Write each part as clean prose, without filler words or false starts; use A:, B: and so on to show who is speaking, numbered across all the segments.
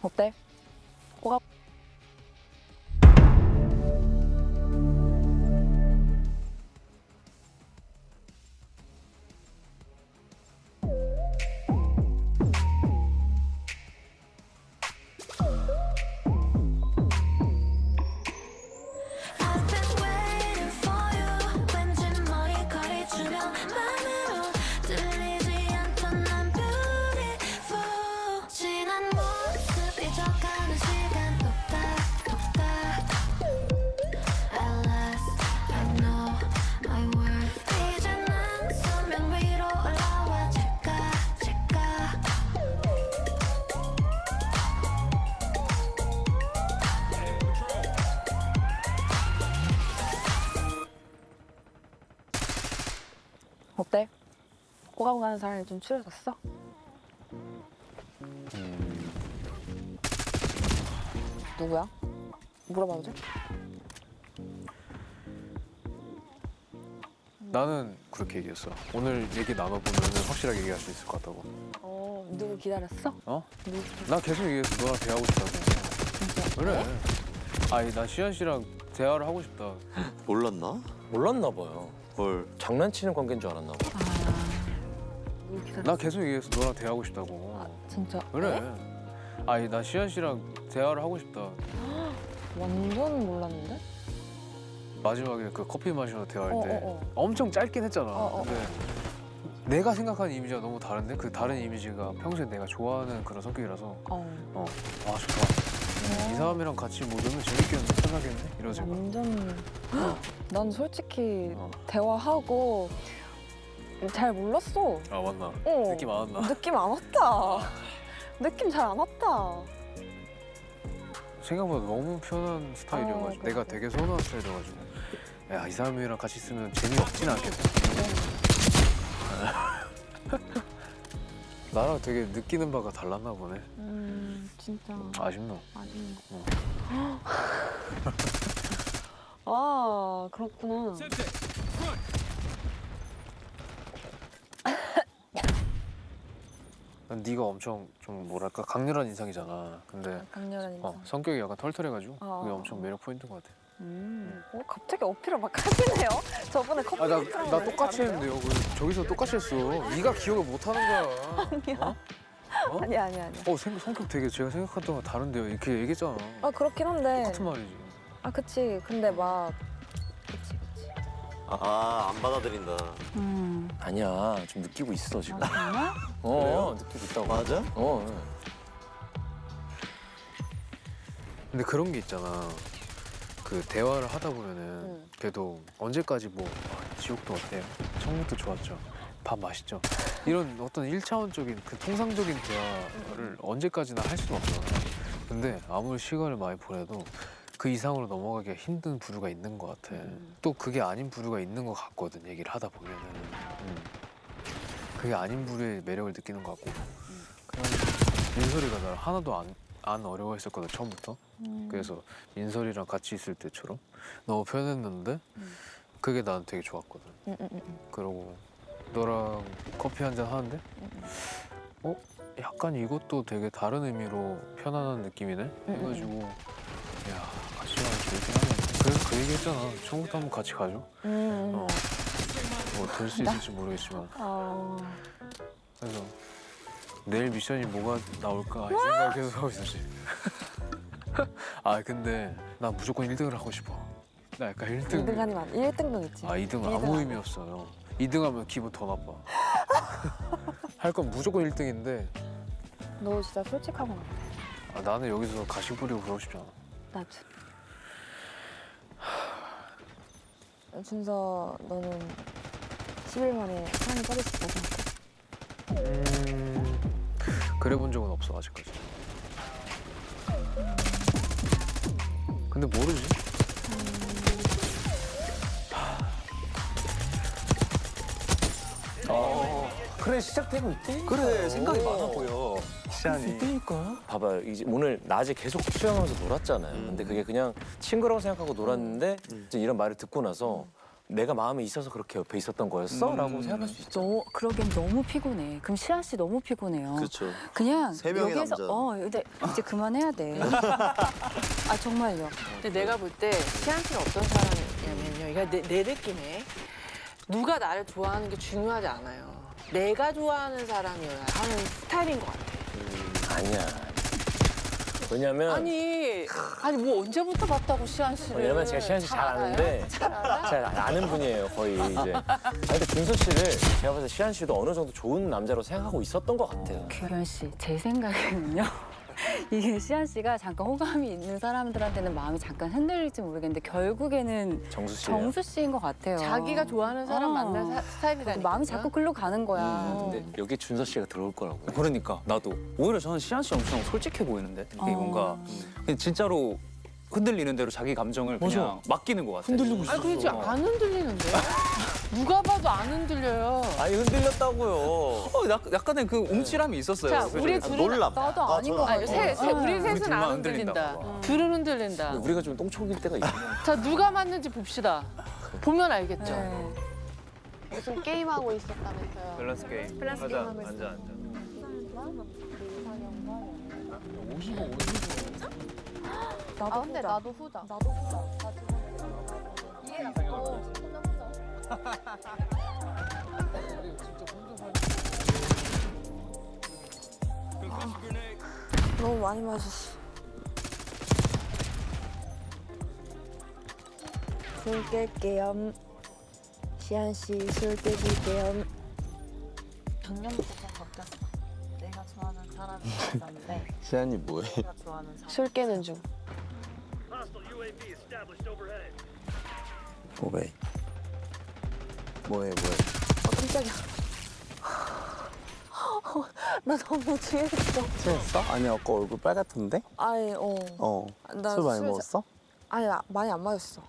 A: 어때? 뭐가?
B: I've been waiting for you. 왠지 머리카락 주변 맘으로 들리지 않던 난 beautiful. 지난 모습 잊어가는 시간 똑딱똑딱. At last I know my worth. 이제 난 수면 위로 올라와 질까.
A: 어때? 오가고 가는 사람이 좀 추려졌어? 누구야? 물어봐도 돼?
C: 나는 그렇게 얘기했어. 오늘 얘기 나눠보면 확실하게 얘기할 수 있을 것 같다고.
A: 누구 기다렸어?
C: 어?
A: 누구?
C: 나 계속 얘기했어. 너랑 대화하고 싶다고.
A: 진짜?
C: 그래. 아니 나 시현 씨랑 대화를 하고 싶다.
D: 몰랐나?
E: 몰랐나 봐요.
D: 헐.
E: 장난치는 관계인 줄 알았나 봐.
A: 누구 기다렸어?
C: 나 계속 얘기했어. 너랑 대화하고 싶다고.
A: 진짜?
C: 그래. 아니 나 시현 씨랑 대화를 하고 싶다.
A: 완전 몰랐는데?
C: 마지막에 그 커피 마시러 대화할 때
A: 어.
C: 엄청 짧긴 했잖아.
A: 어.
C: 근데 내가 생각하는 이미지가 너무 다른데 그 다른 이미지가 평소에 내가 좋아하는 그런 성격이라서 아 좋다. 이 사람이랑 같이 뭐 놀면 재밌겠는데 편하겠네 이런 생각.
A: 완전 난 솔직히
C: 어.
A: 대화하고 잘 몰랐어.
C: 아 맞나?
A: 어.
C: 느낌 안 왔나?
A: 느낌 안 왔다. 느낌 잘 안 왔다.
C: 생각보다 너무 편한 스타일이어가지고
A: 그래.
C: 내가 되게 선호한 스타일이어가지고 야 이 사람이랑 같이 있으면 재미없진 않겠다. 나랑 되게 느끼는 바가 달랐나 보네.
A: 진짜
C: 아쉽노.
A: 아쉽네. 아 그렇구나.
C: 네가 엄청 좀 뭐랄까 강렬한 인상이잖아. 근데
A: 강렬한 인상.
C: 성격이 약간 털털해가지고
A: 어.
C: 그게 엄청 매력 포인트인 것 같아.
A: 갑자기 어필을 막 하시네요. 저번에 커피
C: 나
A: 먹으러
C: 똑같이
A: 다른데요?
C: 했는데요. 저기서 똑같이 했어. 네가 기억을 못 하는 거야.
A: 아니야.
C: 어?
A: 아니야.
C: 성격 되게 제가 생각했던 거랑 다른데요. 이렇게 얘기했잖아.
A: 아 그렇긴 한데.
C: 똑같은 말이지.
A: 아 그치. 근데 막 그치.
D: 아, 안 받아들인다.
E: 아니야, 좀 느끼고 있어 지금.
A: 정말?
E: 느끼고 있다고.
D: 맞아?
C: 근데 그런 게 있잖아. 그 대화를 하다 보면은 그래도 언제까지 뭐 지옥도 어때요? 천국도 좋았죠. 밥 맛있죠. 이런 어떤 일차원적인 그 통상적인 대화를 언제까지나 할 수는 없잖아. 근데 아무리 시간을 많이 보내도 그 이상으로 넘어가기가 힘든 부류가 있는 것 같아. 또 그게 아닌 부류가 있는 것 같거든. 얘기를 하다 보면은. 그게 아닌 부류의 매력을 느끼는 것 같고. 그냥 민설이가 나를 하나도 안 어려워했었거든 처음부터. 그래서 민설이랑 같이 있을 때처럼 너무 편했는데 그게 난 되게 좋았거든. 그러고 너랑 커피 한잔 하는데 약간 이것도 되게 다른 의미로 편안한 느낌이네 해가지고 야 같이 가면 재밌긴 하네. 그래서 그 얘기 했잖아. 처음부터 한번 같이 가죠. 뭐 될 수 있을지 모르겠지만 그래서 내일 미션이 뭐가 나올까 이 생각을 계속 하고 있었지. 아 근데 난 무조건 1등을 하고 싶어. 나 약간 1등.
A: 2등 아니면 1등도 있지.
C: 2등 아무
A: 아니야.
C: 의미 없어요. 2등 하면 기분 더 나빠. 할 건 무조건 1등인데
A: 너 진짜 솔직하구나.
C: 나는 여기서 가식 부리고 그러고 싶지 않아.
A: 나도. 준서 너는 10일 만에 사랑에 빠질 수 있다고 생각해?
C: 그래 본 적은 없어 아직까지. 근데 모르지.
E: 그래 시작되고 있대.
D: 그래, 생각이 많아 보여.
C: 시안이.
E: 그러니까. 봐봐요. 이제 오늘 낮에 계속 수영하면서 놀았잖아요. 근데 그게 그냥 친구라고 생각하고 놀았는데 이제 이런 말을 듣고 나서 내가 마음에 있어서 그렇게 옆에 있었던 거였어? 라고 생각할 수 있죠.
A: 그러기엔 너무 피곤해. 그럼 시아 씨 너무 피곤해요.
D: 그렇죠.
A: 그냥
D: 세 명의
A: 여기에서
D: 남자.
A: 근데 이제 그만해야 돼. 아 정말요.
F: 근데 내가 볼 때 시안 씨는 어떤 사람이냐면요. 이거 내 느낌에 누가 나를 좋아하는 게 중요하지 않아요. 내가 좋아하는 사람이어야 하는 스타일인 것 같아.
E: 아니야. 왜냐면
F: 아니 뭐 언제부터 봤다고 시안 씨를?
E: 왜냐면 제가 시안 씨 잘 아는데
F: 잘 알아?
E: 잘 아는 분이에요 거의 이제. 근데 준서 씨를 제가 봤을 때 시안 씨도 어느 정도 좋은 남자로 생각하고 있었던 것 같아요.
A: 규현 씨, 제 생각에는요. 이게 시안 씨가 잠깐 호감이 있는 사람들한테는 마음이 잠깐 흔들릴지 모르겠는데 결국에는
E: 정수 씨.
A: 정수 씨인 것 같아요.
F: 자기가 좋아하는 사람
A: 어.
F: 만날 스타일이라니까.
A: 마음이 자꾸 글로 가는 거야.
E: 근데 여기 준서 씨가 들어올 거라고.
G: 그러니까 나도 오히려 저는 시안 씨 엄청 솔직해 보이는데 이게 뭔가 그냥 진짜로 흔들리는 대로 자기 감정을 그냥 맡기는 것 같아.
E: 흔들리고 있어.
F: 아니 그렇지 안 흔들리는데? 누가 봐도 안 흔들려요.
E: 아니 흔들렸다고요.
G: 약간의 그 움찔함이 있었어요.
F: 자,
G: 그래서
F: 우리 둘은
D: 놀람.
A: 나도 아닌 것
F: 아니,
A: 같아.
F: 우리 셋은
G: 둘만
F: 안
G: 흔들린다고
F: 흔들린다.
G: 봐.
F: 둘은 흔들린다.
E: 우리가 좀 똥촉일 때가 있어.
F: 자 누가 맞는지 봅시다. 보면 알겠죠.
A: 네.
H: 무슨 게임 하고 있었다면서요?
G: 밸런스 게임.
H: 밸런스 게임 하고
G: 앉아.
H: 아 근데 나도 후자. 나도 후자. 나 지금 이게 혼자 후자.
A: 너무 많이 마셨어. 술 깰게요. 시안 씨 술 깨줄게요.
H: 작년부터 좀 바뀌었어. 내가 좋아하는 사람이 있었는데
D: 시안이 뭐해?
H: 내가 좋아하는 사람.
F: 술 깨는 중.
D: 뭐해?
A: 깜짝이야. 나 너무 취했어.
I: 취했어? 아니 아까 얼굴 빨갛던데?
A: 아니 나
I: 술 많이
A: 술
I: 먹었어?
A: 아니 많이 안 마셨어.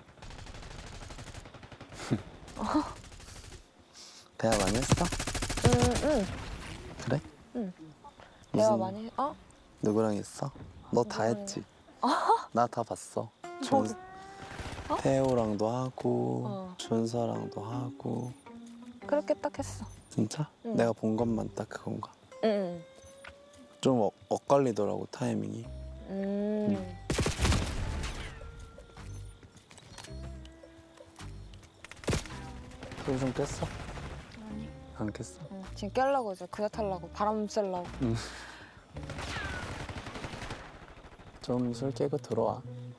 I: 대화 많이 했어?
A: 응.
I: 그래?
A: 내가
I: 무슨-
A: 많이
I: 누구랑 했어? 너 다 했지? 나 다 봤어.
A: 뭐,
I: 태호랑도 하고
A: 어.
I: 준서랑도 하고
A: 그렇게 딱 했어.
I: 진짜?
A: 응.
I: 내가 본 것만 딱 그건가?
A: 응.
I: 좀 엇갈리더라고 타이밍이. 술 좀 깼어?
A: 아니.
I: 안 깼어?
A: 지금 깨려고 이제 그자 타려고 바람 쐬려고.
I: 좀 술 깨고 들어와.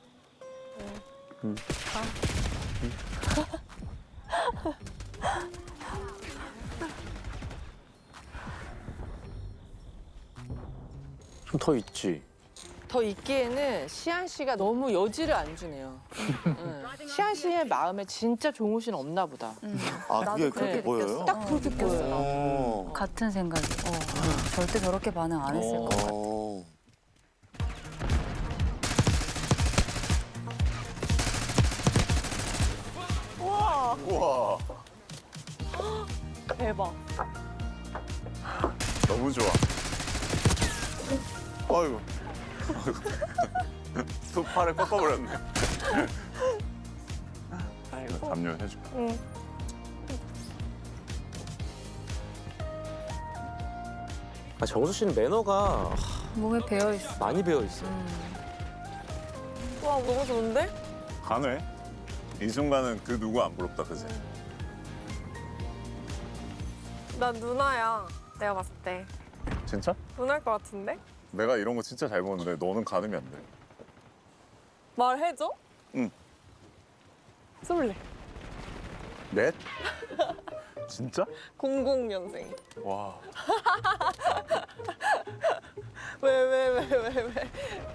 E: 좀 더 있지.
F: 더 있기에는 시안 씨가 너무 여지를 안 주네요. 응. 시안 씨의 마음에 진짜 종우 씨는 없나 보다.
D: 아
A: 나도
D: 그게
A: 그렇게
D: 그렇게 보여요?
A: 느꼈어. 딱 그렇게 느꼈어.
D: 오.
A: 같은 생각이. 절대 저렇게 반응 안 했을 것 같아.
D: 오. 우와.
H: 대박.
D: 너무 좋아. 아이고. 또 팔을 꺾어버렸네. 아이고 담요 해줄까?
E: 정수 씨는 매너가
A: 몸에 배어 있어.
E: 많이 배어 있어.
H: 와 너무 좋은데?
J: 간회? 이 순간은 그 누구 안 부럽다 그지?
H: 난 누나야. 내가 봤을 때
J: 진짜?
H: 누나일 것 같은데?
J: 내가 이런 거 진짜 잘 보는데 너는 가늠이 안 돼.
H: 말해줘?
J: 응.
H: 쏠래.
J: 넷? 진짜?
H: 00년생.
J: 와.
H: 왜?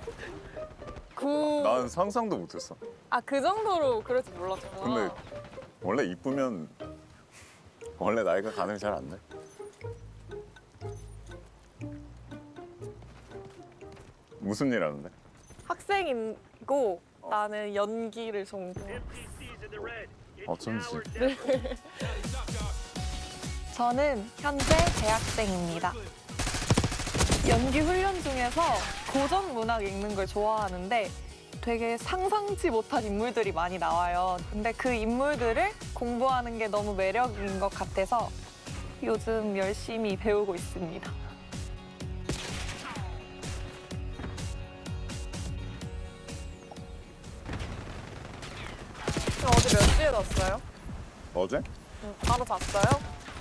J: 난 상상도 못했어.
H: 그 정도로 그럴 줄 몰랐잖아.
J: 근데 원래 이쁘면 원래 나이가 가늠이 잘 안 돼. 무슨 일 하는데?
H: 학생이고 나는 연기를 전공.
J: 어쩐지.
H: 저는 현재 대학생입니다. 연기 훈련 중에서 고전 문학 읽는 걸 좋아하는데 되게 상상치 못한 인물들이 많이 나와요. 근데 그 인물들을 공부하는 게 너무 매력인 것 같아서 요즘 열심히 배우고 있습니다. 어제 몇 시에 잤어요?
J: 어제?
H: 바로 잤어요?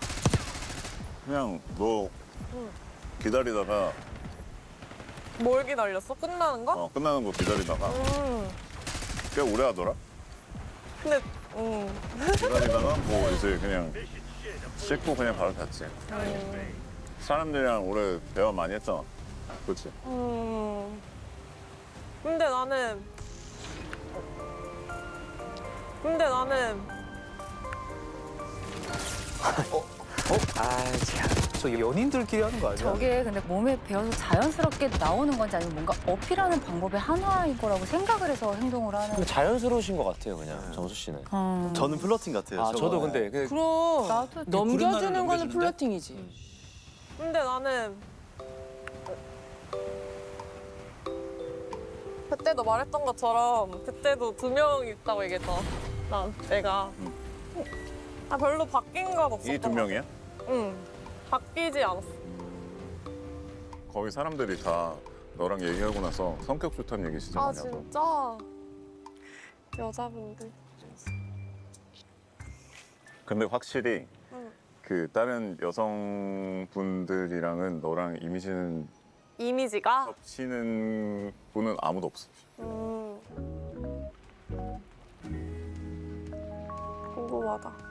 J: 그냥 너 기다리다가
H: 뭘 기다렸어? 끝나는 거?
J: 끝나는 거 기다리다가 꽤 오래 하더라.
H: 근데
J: 기다리다가 뭐 이제 그냥 씻고 그냥 바로 잤지. 사람들이랑 오래 대화 많이 했잖아. 그렇지?
H: 근데 나는
G: 저 연인들끼리 하는 거 아니야?
A: 저게 근데 몸에 배어서 자연스럽게 나오는 건지 아니면 뭔가 어필하는 방법의 하나인 거라고 생각을 해서 행동을 하는
E: 좀 자연스러우신 것 같아요, 그냥 정수 씨는.
I: 저는 플러팅 같아요.
E: 아, 저도 근데
F: 그럼
A: 나도
F: 넘겨주는 거는
G: 넘겨주는데?
F: 플러팅이지.
H: 근데 나는 그때도 말했던 것처럼 그때도 2명 있다고 얘기했잖아. 내가 별로 바뀐 건 없었던
J: 이 두 명이야?
H: 응, 바뀌지 않았어.
J: 거기 사람들이 다 너랑 얘기하고 나서 성격 좋다는 얘기 진짜 많이 하더라고.
H: 진짜? 여자분들.
J: 근데 확실히
H: 응.
J: 그 다른 여성분들이랑은 너랑
H: 이미지가?
J: 겹치는 분은 아무도 없어.
H: 궁금하다.